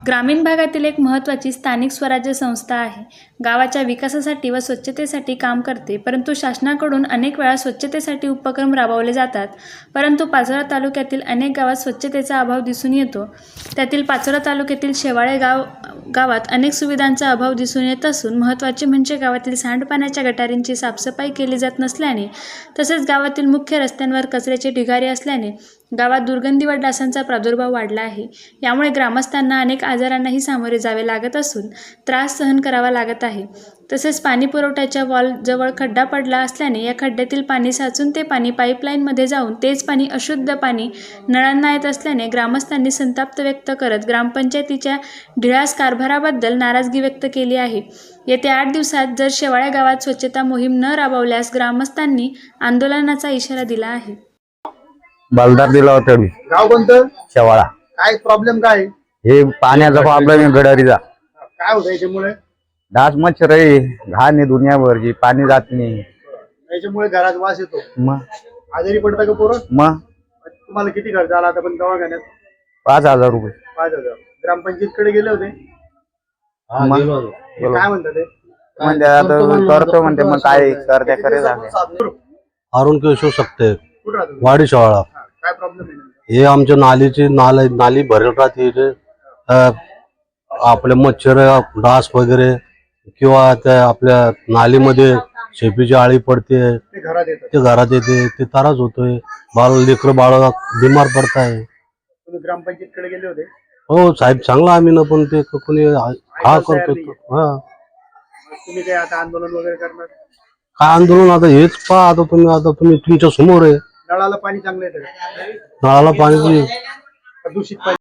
ग्रामीण भागातील एक महत्त्वाची स्थानिक स्वराज्य संस्था आहे. गावाच्या विकासासाठी व स्वच्छतेसाठी काम करते. परंतु शासनाकडून अनेक वेळा स्वच्छतेसाठी उपक्रम राबवले जातात. परंतु पाचोरा तालुक्यातील अनेक गावात स्वच्छतेचा अभाव दिसून येतो. त्यातील पाचोरा तालुक्यातील शेवाळे गावात अनेक सुविधांचा अभाव दिसून येत असून महत्त्वाचे म्हणजे गावातील सांडपाण्याच्या गटारींची साफसफाई केली जात नसल्याने तसेच गावातील मुख्य रस्त्यांवर कचऱ्याचे ढिगारे असल्याने गावात दुर्गंधी व डासांचा प्रादुर्भाव वाढला आहे. यामुळे ग्रामस्थांना अनेक आजारांनाही सामोरे जावे लागत असून त्रास सहन करावा लागत आहे. तसेच पाणी पुरवठ्याच्या वॉलजवळ खड्डा पडला असल्याने या खड्ड्यातील पाणी साचून ते पाणी पाईपलाईनमध्ये जाऊन तेच पाणी अशुद्ध पाणी नळांना येत असल्याने ग्रामस्थांनी संताप व्यक्त करत ग्रामपंचायतीच्या ढिळास कारभाराबद्दल नाराजगी व्यक्त केली आहे. येत्या 8 दिवसात जर शेवाळ्या गावात स्वच्छता मोहीम न राबवल्यास ग्रामस्थांनी आंदोलनाचा इशारा दिला आहे. बलदार दिला होता गाव कोणतं? शेवाळा. काय प्रॉब्लेम काय? हे पाण्याचा प्रॉब्लेम आहे गडारीचा. काय होतं याच्यामुळे? डास मच्छर आहे, घाण आहे दुनियाभरची, पाणी जात नाही. याच्यामुळे घरात वास येतो. मग आजारी पडता का पोरं? मग तुम्हाला किती खर्च आला आता पण दवाखान्यात? 5,000 रुपये. 5,000. ग्रामपंचायत कडे गेले होते? मग ते काय म्हणतात ते? म्हणजे आता करतो म्हणते, मग काय करते करेल. अरुण केशव शकते कुठं राहतो? वाडी शाळा. काय प्रॉब्लेम आहे? हे आमच्या नाली भरेल राहते इथे. आपले मच्छर डास वगैरे किंवा त्या आपल्या नालीमध्ये शेपीची आळी पडते, ते घरात येतात. ते घरात येते, ते त्रास होतोय. लेकरं बाळ बिमार पडताय. तुम्ही ग्रामपंचायत कडे गेले होते? हो साहेब, चांगला आम्ही ना, पण ते कोणी हा करतो. हा तुम्ही काय आता आंदोलन वगैरे करणार? काय आंदोलन? आता हेच पहा, आता तुम्ही तुमच्या समोर आहे. नळाला पाणी चांगलं येतं का? नळाला पाणी दूषित पाणी